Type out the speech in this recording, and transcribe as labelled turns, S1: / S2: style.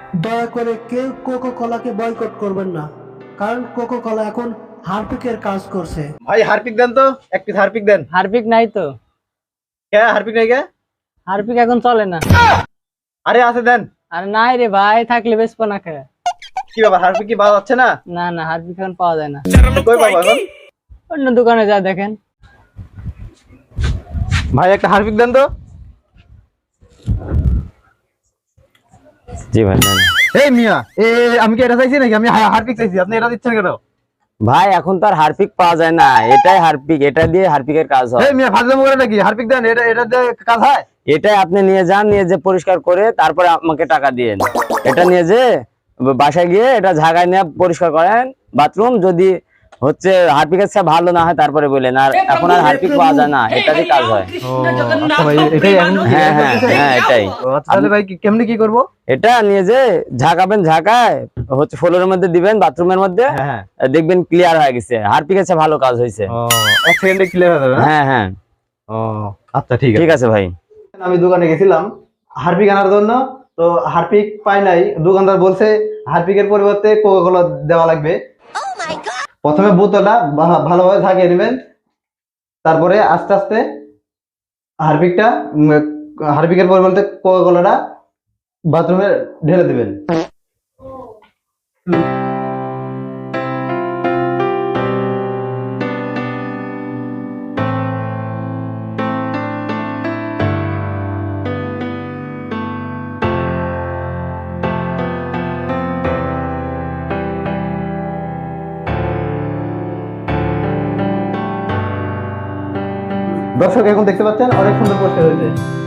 S1: দয়া করে কেউ কোকো কলাকে বয়কট করবেন না, কারণ কোকো কলা এখন হারপিকের কাজ করছে।
S2: ভাই হারপিক দেন তো, এক পিস হারপিক দেন।
S3: হারপিক নাই তো।
S2: কে হারপিক নাই কে?
S3: হারপিক এখন চলে না।
S2: আরে আছে দেন।
S3: আরে নাই রে ভাই, থাকলে বেচবো না কে?
S2: কি ব্যাপার, হারপিক কি পাওয়া যাচ্ছে না?
S3: না না, হারপিক এখন পাওয়া যায় না।
S2: কই পাবো এখন?
S3: অন্য দোকানে যা দেখেন।
S2: ভাই একটা হারপিক দেন তো।
S4: জি ভাই নেন।
S2: এই মিয়া, আমি কি এটা চাইছি নাকি? আমি হারপিক চাইছি, আপনি এটা দিচ্ছেন কেন?
S4: ভাই এখন তো আর হারপিক পাওয়া যায় না, এটাই হারপিক, এটা দিয়ে হারপিকের কাজ হয়।
S2: এই মিয়া ফাজলামো করে নাকি? হারপিক দেন, এটা দিয়ে কাজ হয়?
S4: এটাই আপনি নিয়ে যান, নিয়ে যে পরিষ্কার করে তারপরে আমাকে টাকা দিয়েন। এটা নিয়ে যে বাসায় গিয়ে এটা ঝাগায় নিয়ে পরিষ্কার করেন বাথরুম, যদি হচ্ছে হারপিকের চেয়ে ভালো না হয় তারপরে বলেন। আর এখন আর হারপিক পাওয়া যায় না, এটারই কাজ হয়।
S2: ও আচ্ছা ভাই, এটাই এখন?
S4: হ্যাঁ হ্যাঁ হ্যাঁ এটাই।
S2: ও আচ্ছা, তাহলে ভাই কেমনে কি করব?
S4: এটা নিয়ে যে ঝাঁকাবেন, ঝাঁকায় হচ্ছে ফ্লোরের মধ্যে দিবেন, বাথরুমের মধ্যে
S2: হ্যাঁ।
S4: দেখবেন ক্লিয়ার হয়ে গেছে, হারপিকের চেয়ে ভালো কাজ হয়েছে।
S2: ও এক সেকেন্ডে ক্লিয়ার হয়ে যাবে না?
S4: হ্যাঁ হ্যাঁ
S2: ও আচ্ছা ঠিক আছে।
S4: ঠিক আছে ভাই।
S2: আমি দোকানে গেছিলাম হারপিক আনার জন্য, তো হারপিক পাই নাই। দোকানদার বলছে হারপিকের পরিবর্তে কোকা কোলা দেওয়া লাগবে। প্রথমে বোতলটা ভালোভাবে ঝাঁকিয়ে নেবেন, তারপরে আস্তে আস্তে হারপিকটা হারপিকের পরিবর্তে কোকা কোলাটা বাথরুমে ঢেলে দিবেন। দর্শক এখন দেখতে পাচ্ছেন অনেক সুন্দর পরিষ্কার হয়েছে।